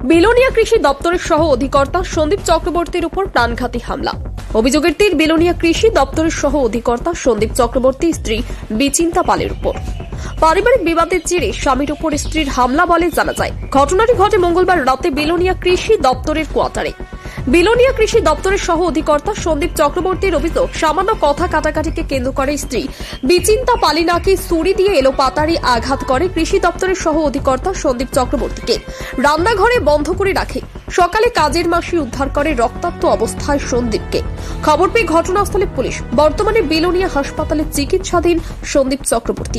বিলোনিয়া কৃষি দপ্তরের সহ অধিকর্তা সন্দীপ চক্রবর্তীর উপর প্রাণঘাতী হামলা। অভিযোগের তীর বিলোনিয়া কৃষি দপ্তরের সহ অধিকর্তা সন্দীপ চক্রবর্তী স্ত্রী বিচিন্তা পালের উপর। পারিবারিক বিবাদের জেরে স্বামীর উপর স্ত্রীর হামলা বলে জানা যায়। ঘটনাটি ঘটে মঙ্গলবার রাতে বিলোনিয়া কৃষি দপ্তরের কোয়ার্টারে। বিলোনিয়া কৃষি দপ্তরের সহ অধিকর্তা সন্দীপ চক্রবর্তীর অভিযোগ, সামান্য কথা কাটাকাটিকে কেন্দ্র করে স্ত্রী বিচিন্তা পালি নাকি ছুরি দিয়ে এলোপাতাড়ি আঘাত করে কৃষি দপ্তরের সহ অধিকর্তা সন্দীপ চক্রবর্তীকে। রান্নাঘরে বন্ধ করে রাখে। সকালে কাজের মাসি উদ্ধার করে রক্তাক্ত অবস্থায় সন্দীপকে। খবর পেয়ে ঘটনাস্থলে পুলিশ। বর্তমানে বিলোনিয়া হাসপাতালে চিকিৎসাধীন সন্দীপ চক্রবর্তী।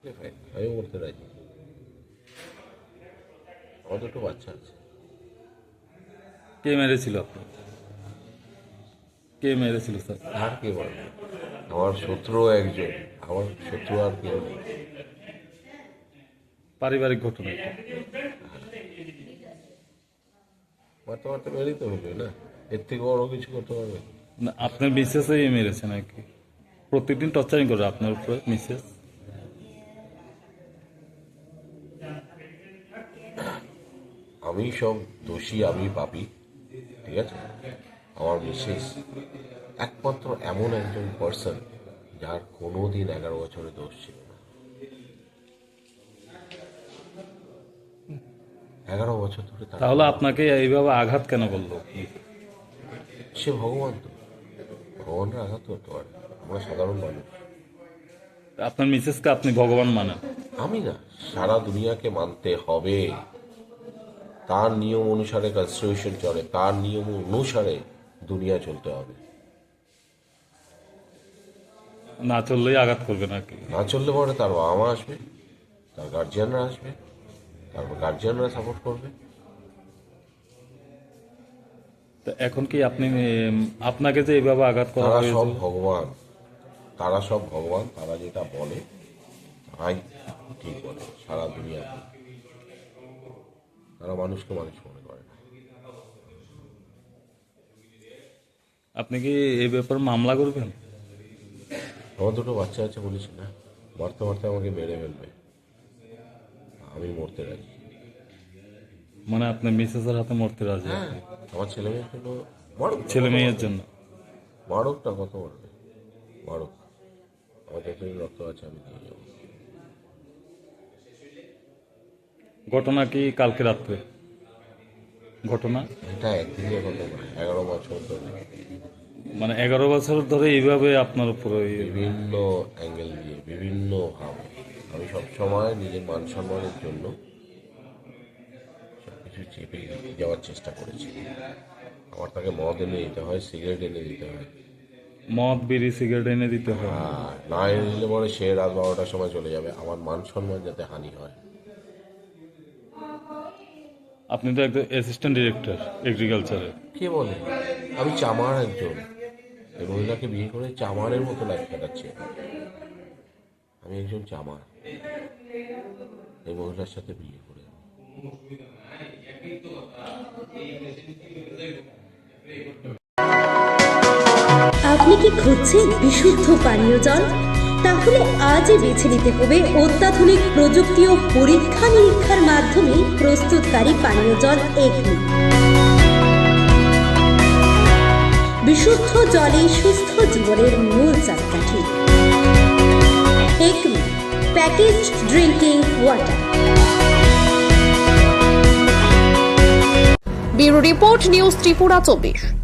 কে মেরেছিল আপনার? কে মেরেছিল স্যার? আর কে বলবে? আমার শত্রু একজন, আমার শত্রু আর কেউ নেই। পারিবারিক ঘটনা এটা। মারতে মারতে মেরেই তো হবে না, এর থেকে বড় কিছু করতে পারবে না। আপনার মিসেসই মেরেছে নাকি? প্রত্যেকদিন টর্চারিং করে আপনার উপরে মিসেস? আমি সব দোষী, আমি পাপী, ঠিক আছে? আমার মিসেস একমাত্র এমন একজন পার্সন যার কোনোদিন 11 বছরে দোষ ছিল না। 11 বছর ধরে তাহলে আপনাকে এইভাবে আঘাত কেন করলো? সে ভগবান, তো ভগবানরা আঘাত করতে পারে, আমরা সাধারণ মানুষ। আপনার মিসেসকে আপনি ভগবান মানেন? আমি না, সারা দুনিয়াকে মানতে হবে। তার নিয়ম অনুসারে কনস্টিটিউশন চলে, তার নিয়ম অনুসারে দুনিয়া চলতে হবে। না চললেই আঘাত করবে নাকি? না চললে পরে তার বাবা মা আসবে, তার গার্জিয়ানরা আসবে, তারপর গার্জিয়ানরা সাপোর্ট করবে। তো এখন কি আপনি আপনাকে যে এইভাবে আঘাত করা তারা হয়েছে? সব ভগবান, তারা সব ভগবান, তারা যেটা বলে তাই ঠিক বলে। সারা দুনিয়া তারা মানুষকে মানুষ মনে করে না। আপনি কি এই ব্যাপারে মামলা করবেন? আমার দুটো বাচ্চা আছে, বলেছি না, মারতে মারতে আমাকে মেরে ফেলবে, আমি মরতে রাজি। মানে আপনার মিসেসের হাতে মরতে রাজি? হ্যাঁ, আমার ছেলে মেয়ের জন্য মারুক, ছেলে মেয়ের জন্য মারুক না, কত মারবে, মারুক। আমার যতদিন রক্ত আছে আমি দিয়ে যাবো। ঘটনা কি কালকে রাত্রে ঘটনা? এটা একদিনের কথা নয়, 11 বছর ধরে, মানে 11 বছর ধরে এইভাবে আপনার উপরে বিভিন্ন অ্যাঙ্গেল দিয়ে, বিভিন্ন ভাবে আমি সবসময় নিজের মান সম্মানের জন্য সবকিছু চেপে যাওয়ার চেষ্টা করেছি। আমার তাকে মদ এনে দিতে হয়, সিগারেট এনে দিতে হয়, মদ বিড়ি সিগারেট এনে দিতে হয়। আর না এনে দিলে পরে সে রাত 12টার সময় চলে যাবে, আমার মান সম্মান যাতে হানি হয়। আপনি তো একজন অ্যাসিস্ট্যান্ট ডিরেক্টর এগ্রিকালচারের। কে বলে? আমি চামার একজন, এই মহিলাকে বিয়ে করে চামারের মতো লাইফ কাটাচ্ছি। আমি একজন চামার, এই মহিলার সাথে বিয়ে করে। আপনি কি খুঁজছেন বিশুদ্ধ পানীয় জল? তাহলে আজই বেছে নিতে হবে অত্যাধুনিক প্রযুক্তি ও পরীক্ষা নিরীক্ষার মাধ্যমে প্রস্তুতকারী পানীয় জল একমি। বিশুদ্ধ জলে সুস্থ জীবনের মূল চাকাঠি। Acme packaged drinking water. Bureau report, news Tripura 24।